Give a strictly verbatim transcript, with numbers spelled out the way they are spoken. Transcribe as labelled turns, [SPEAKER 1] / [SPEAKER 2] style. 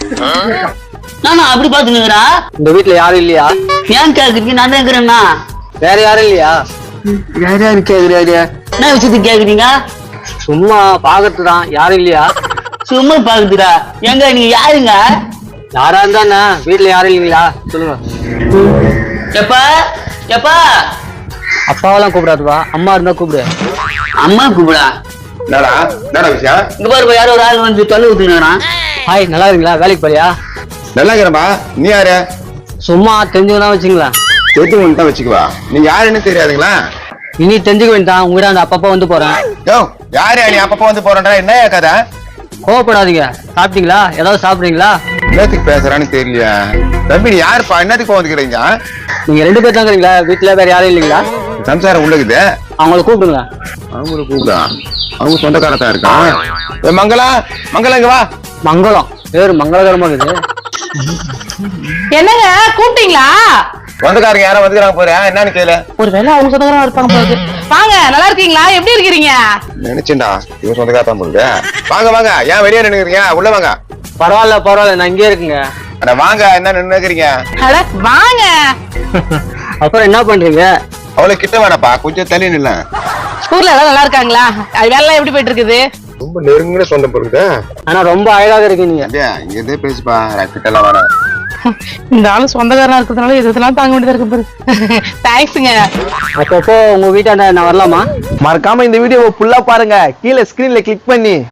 [SPEAKER 1] நானா அப்படி பாத்துனுக்குறா?
[SPEAKER 2] இந்த வீட்டுல யாரும் இல்லையா?
[SPEAKER 1] ஏன் கேக்குறீங்க? நான் தான் இருக்கிறேன்னா.
[SPEAKER 2] வேற யாரும் இல்லையா?
[SPEAKER 3] வேற யாரு கேக்குறாரு?
[SPEAKER 1] என்ன விஷயத்துக்கு கேக்குறீங்க?
[SPEAKER 2] சும்மா பாக்கறதுதான். யாரும் இல்லையா?
[SPEAKER 1] சும்மா பாக்குதுடா. எங்க நீங்க யாருங்க?
[SPEAKER 2] யாரா இருந்தா வீட்டுல யாரும் இல்லைங்களா சொல்லுங்க.
[SPEAKER 1] எப்பா எப்பா
[SPEAKER 2] அப்பாவெல்லாம் கூப்பிடாதுப்பா, அம்மா இருந்தா கூப்பிடு.
[SPEAKER 1] அம்மா கூப்பிடா.
[SPEAKER 4] என்னடா என்னடா விஷயம்?
[SPEAKER 1] இங்க பாரு, யாரோ ஒரு ஆள் வந்து தொலை ஊத்துனா.
[SPEAKER 2] ஹாய், நல்லா இருக்கீங்களா? வேலைக்கு போறியா?
[SPEAKER 4] நல்லா இருக்கிறப்பா. நீ யாரு?
[SPEAKER 2] சும்மா தெரிஞ்சுக்கதான் வச்சுங்களா.
[SPEAKER 4] தெரிஞ்சவங்க தான் வச்சுக்குவா. நீ யாருன்னு தெரியாதுங்களா?
[SPEAKER 2] இனி தெரிஞ்சுக்க வேண்டாம். உங்ககிட்ட அந்த அப்பப்பா வந்து போறேன்.
[SPEAKER 4] யோ யாரு நீ அப்பப்போ வந்து போறேன்றா? என்ன கதை?
[SPEAKER 2] கோவப்படாதீங்க. சாப்பிட்டீங்களா? ஏதாவது சாப்பிடுறீங்களா?
[SPEAKER 4] என்னத்துக்கு பேசுறான்னு தெரியலையா? தம்பி நீ யாருப்பா? என்னத்துக்கு வந்துக்கிறீங்க?
[SPEAKER 2] நீங்க ரெண்டு பேர் தான் இருக்கிறீங்களா? வீட்டுல வேற யாரும் இல்லைங்களா?
[SPEAKER 4] சம்சாரம் உள்ளக்குது.
[SPEAKER 2] அவங்கள கூப்பிடுங்க.
[SPEAKER 4] அவங்கள கூப்பிடா. அவங்க சொந்தக்காரத்தான் இருக்கான். ஏ மங்களா, மங்களா இங்க வா.
[SPEAKER 2] மங்களம் பேரு மங்களகரமா இருக்குது.
[SPEAKER 5] என்னங்க கூப்பிட்டீங்களா?
[SPEAKER 4] சொந்தக்காரங்க யாரும் வந்துக்கிறாங்க போறேன். என்னன்னு கேளு.
[SPEAKER 5] ஒருவேளை அவங்க சொந்தக்காரங்க இருப்பாங்க போகுது. வாங்க, நல்லா இருக்கீங்களா? எப்படி இருக்கிறீங்க?
[SPEAKER 4] நினைச்சேன்டா இவன் சொந்தக்காரத்தான் போகுது. வாங்க வாங்க. ஏன் வெளியே நின்னுக்கிறீங்க? உள்ள வாங்க.
[SPEAKER 2] பரவாயில்ல பரவாயில்ல, நான் இங்கே இருக்குங்க.
[SPEAKER 4] அட வாங்க. என்ன நின்னுக்கிறீங்க?
[SPEAKER 5] அட வாங்க.
[SPEAKER 2] அப்புறம் என்ன பண்றீங்க?
[SPEAKER 4] அவ்வளவு கிட்ட வேணாப்பா, கொஞ்சம் தள்ளி நில்ல.
[SPEAKER 5] ஸ்கூல்ல எல்லாம் நல்லா இருக்காங்களா? அது வேலை எல்லாம் எப்படி போயிட்டு இருக்குது?
[SPEAKER 4] ரொம்ப நெருங்கின சொந்தம் பொருக்குது.
[SPEAKER 2] ஆனா ரொம்ப அழகாக இருக்கீங்க.
[SPEAKER 4] இங்க இருந்தே பேசுப்பா. கிட்ட எல்லாம் வேணாம்.
[SPEAKER 5] இந்த ஆளு சொந்தக்காரனா இருக்கிறதுனால எதெல்லாம் தாங்க வேண்டியதா இருக்கு பாரு. தேங்க்ஸுங்க.
[SPEAKER 2] அப்பப்போ உங்க வீட்டாண்ட நான் வரலாமா?
[SPEAKER 3] மறக்காம இந்த வீடியோவை ஃபுல்லா பாருங்க. கீழே ஸ்கிரீன்ல கிளிக் பண்ணி